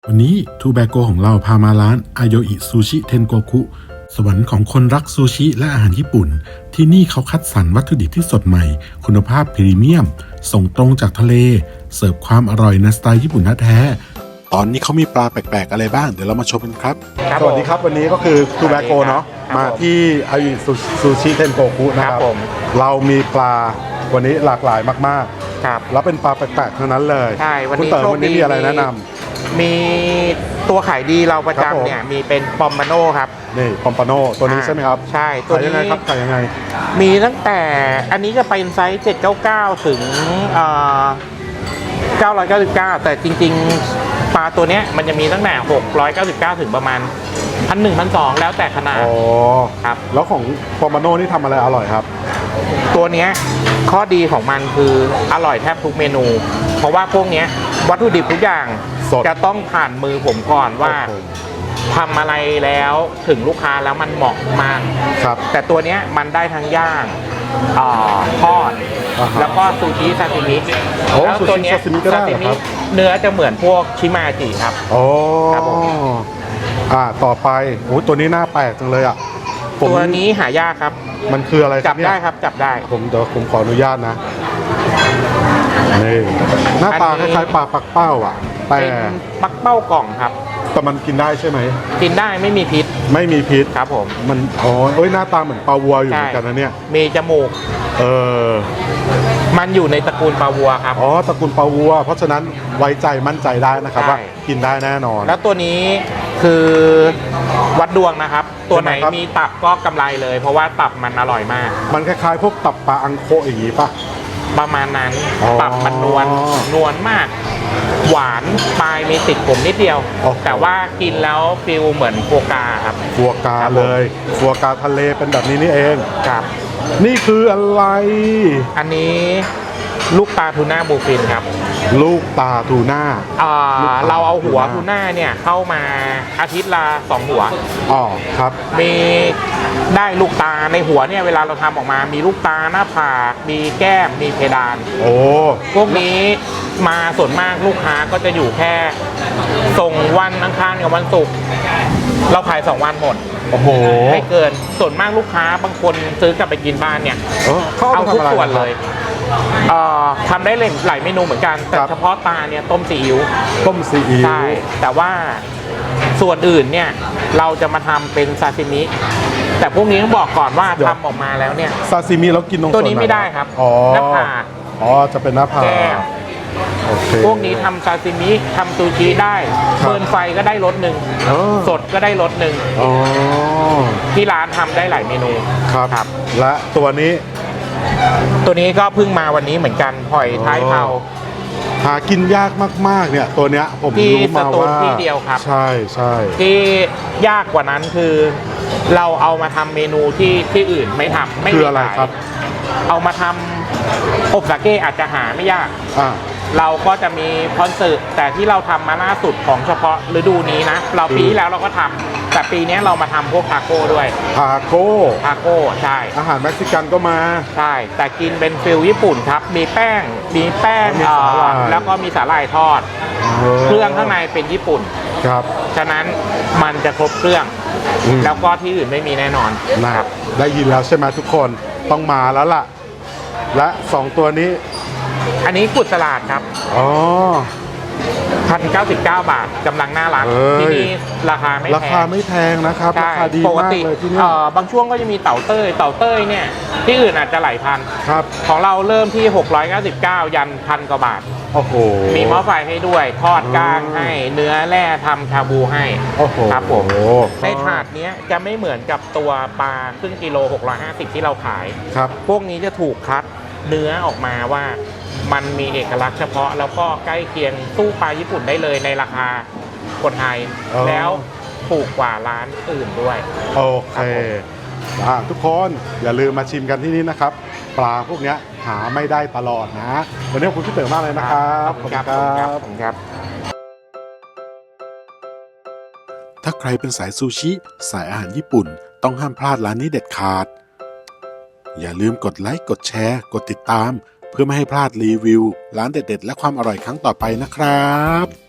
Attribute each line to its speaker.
Speaker 1: วันนี้ทูแบโกของเราพามาร้านอาโยอิซูชิเทนโกคุสวรรค์ของคนรักซูชิและอาหารญี่ปุ่นที่นี่เขาคัดสรรวัตถุดิบที่สดใหม่คุณภาพพรีเมียมส่งตรงจากทะเลเสิร์ฟความอร่อยในสไตล์ญี่ปุ่นแท้ๆตอนนี้เขามีปลาแปลกๆอะไรบ้างเดี๋ยวเรามาชมกันครับสวัสดีครับวันนี้ก็คือทูแบโกเนาะมาที่อาโยอิซูชิเทนโกคุนะครับเรามีปลาวันนี้หลากหลายมากๆครับแล้วเป็นปลาแปลกๆทั้งนั้นเลย
Speaker 2: ใช่วัน
Speaker 1: นี้มีอะไรแนะนำ
Speaker 2: มีตัวขายดีเราประจำเนี่ยมีเป็นปอมบาโน่ครับ
Speaker 1: นี่ปอมบาโน่ตัวนี้ใช่ไหมครับ
Speaker 2: ใช่ตัวนี้
Speaker 1: ขายยังไง
Speaker 2: มีตั้งแต่อันนี้จะเป็นไซส์799ถึง999แต่จริงๆปลาตัวนี้มันจะมีตั้งแต่699ถึงประมาณ1,100 1,200แล้วแต่ขนาด
Speaker 1: ครับแล้วของปอมบาโน่นี่ทำอะไรอร่อยครับ
Speaker 2: ตัวนี้ข้อดีของมันคืออร่อยแทบทุกเมนู เพราะว่าพวกนี้วัตถุดิบทุกอย่างจะต้องผ่านมือผมก่อนว่าทำอะไรแล้วถึงลูกค้าแล้วมันเหมาะมากแต่ตัวนี้มันได้ทั้งย่างทอดแล้วก็ซูชิซาซิมิแล้วตัวนี้ซาซิมิเนื้อจะเหมือนพวกชิมาจิครับ
Speaker 1: ครับผมต่อไปโอ้ตัวนี้น่าแปลกจังเลย
Speaker 2: ตัวนี้หายากครับ
Speaker 1: มันคืออะไร
Speaker 2: จับได้ครับจับได้
Speaker 1: เดี๋ยวผมขออนุญาตนะนี่หน้าตาคล้ายๆปลาปักเป้าแต่
Speaker 2: ปักเป้ากล่องครับ
Speaker 1: แต่มันกินได้ใช่ไหม
Speaker 2: กินได้ไม่มีพิษครับผม
Speaker 1: มันหน้าตาเหมือนปลาวัวอยู่เหมือนกันนะเนี่ย
Speaker 2: มีจมูกมันอยู่ในตระกูลปลาวัวครับ
Speaker 1: ตระกูลปลาวัวเพราะฉะนั้นไว้ใจมั่นใจได้นะครับว่ากินได้แน่นอน
Speaker 2: แล้วตัวนี้คือวัดดวงนะครับตัวไหนมีตับก็กำไรเลยเพราะว่าตับมันอร่อยมาก
Speaker 1: มันคล้ายๆพวกตับปลาอังโคอย่างนี้ป่ะ
Speaker 2: ประมาณนั้นตับมันนวลมากหวานปลายมีติดผมนิดเดียวแต่ว่ากินแล้วฟิลเหมือนฟัวกราครับ
Speaker 1: ฟัวกราเลยฟัวกราทะเลเป็นแบบนี้นี่เอง
Speaker 2: ครับ
Speaker 1: นี่คืออะไร
Speaker 2: อันนี้ลูกตาทูน่าบูฟินครับ
Speaker 1: ลูกตาทูน่า
Speaker 2: เราเอาหัวทูน่าเนี่ยเข้ามาอาทิตย์ละ2 หัว
Speaker 1: ครับ
Speaker 2: มีได้ลูกตาในหัวเนี่ยเวลาเราทำออกมามีลูกตาหน้าผากมีแก้มมีเพดานพวกนี้มาส่วนมากลูกค้าก็จะอยู่แค่ส่งวันอังคารกับวันศุกร์เราขาย2 วันหมดไม่เกินส่วนมากลูกค้าบางคนซื้อกลับไปกินบ้านเนี่ยเอาทุกส่วนเลยทำได้หลายเมนูเหมือนกันแต่เฉพาะตาเนี่ยต้มซีอิ๊วใช่แต่ว่าส่วนอื่นเนี่ยเราจะมาทำเป็นซาซิมิแต่พวกนี้ต้องบอกก่อนว่าทำออกมาแล้วเนี่ย
Speaker 1: ซาซิมิแล้วกินตรง
Speaker 2: ตัวนี้ไม่ได้ครับหน้าผาก
Speaker 1: จะเป็นหน้าผาก
Speaker 2: พวกนี้ทำซาซิมิทำซูชิได้เบิร์นไฟก็ได้รสหนึ่งสดก็ได้รสหนึ่งที่ร้านทำได้หลายเมนู
Speaker 1: ครับและตัวนี้
Speaker 2: ก็เพิ่งมาวันนี้เหมือนกันหอยท้ายเผา
Speaker 1: หากินยากมากๆเนี่ยตัวเนี้ยผมรู้มาว่า
Speaker 2: ที่เดียวครับ
Speaker 1: ใช่
Speaker 2: ที่ยากกว่านั้นคือเราเอามาทำเมนูที่อื่นไม่ทำไม่
Speaker 1: คืออะไรครับ
Speaker 2: เอามาทำอบสาเกอาจจะหาไม่ยากเราก็จะมีคอนเสิร์ตแต่ที่เราทำมาล่าสุดของเฉพาะฤดูนี้นะเราปีที่แล้วเราก็ทำแต่ปีนี้เรามาทำพวกทาโก้ด้วย
Speaker 1: ทาโก้
Speaker 2: ใช่
Speaker 1: อาหารเม็กซิกันก็มา
Speaker 2: ใช่แต่กินเป็นฟิลญี่ปุ่นครับมีแป้งแล้วก็มีสาหร่ายทอดเครื่องข้างในเป็นญี่ปุ่น
Speaker 1: ครับ
Speaker 2: ฉะนั้นมันจะครบเครื่องแล้วก็ที่อื่นไม่มีแน่นอน
Speaker 1: นะครับได้ยินแล้วใช่ไหมทุกคนต้องมาแล้วล่ะและ2 ตัวนี้
Speaker 2: อันนี้กุดสลัดครับ1,099 บาทกำลังน่ารักที่นี่ราคาไม่
Speaker 1: แพงนะครับราคาดีมากเลยที่นี่
Speaker 2: บางช่วงก็จะมีเต่าเต้ยเนี่ยที่อื่นอาจจะหลายพันของเราเริ่มที่699ยัน1,000 กว่าบาทมีหม้อไฟให้ด้วยทอดก้างให้เนื้อแร่ทำชาบูให้ครับผมในถาดนี้จะไม่เหมือนกับตัวปลาครึ่งกิโล650ที่เราขายพวกนี้จะถูกคัดเนื้อออกมาว่ามันมีเอกลักษณ์เฉพาะแล้วก็ใกล้เคียงสู้ปลาญี่ปุ่นได้เลยในราคาคนไทยแล้วถูกกว่าร้านอื่นด้วย
Speaker 1: โอเคทุกคนอย่าลืมมาชิมกันที่นี่นะครับปลาพวกนี้หาไม่ได้ตลอดนะวันนี้ขอบคุณพี่เต๋อมากเลยนะครับ
Speaker 2: ขอบคุณครับ
Speaker 1: ถ้าใครเป็นสายซูชิสายอาหารญี่ปุ่นต้องห้ามพลาดร้านนี้เด็ดขาดอย่าลืมกดไลค์กดแชร์กดติดตามเพื่อไม่ให้พลาดรีวิวร้านเด็ดๆและความอร่อยครั้งต่อไปนะครับ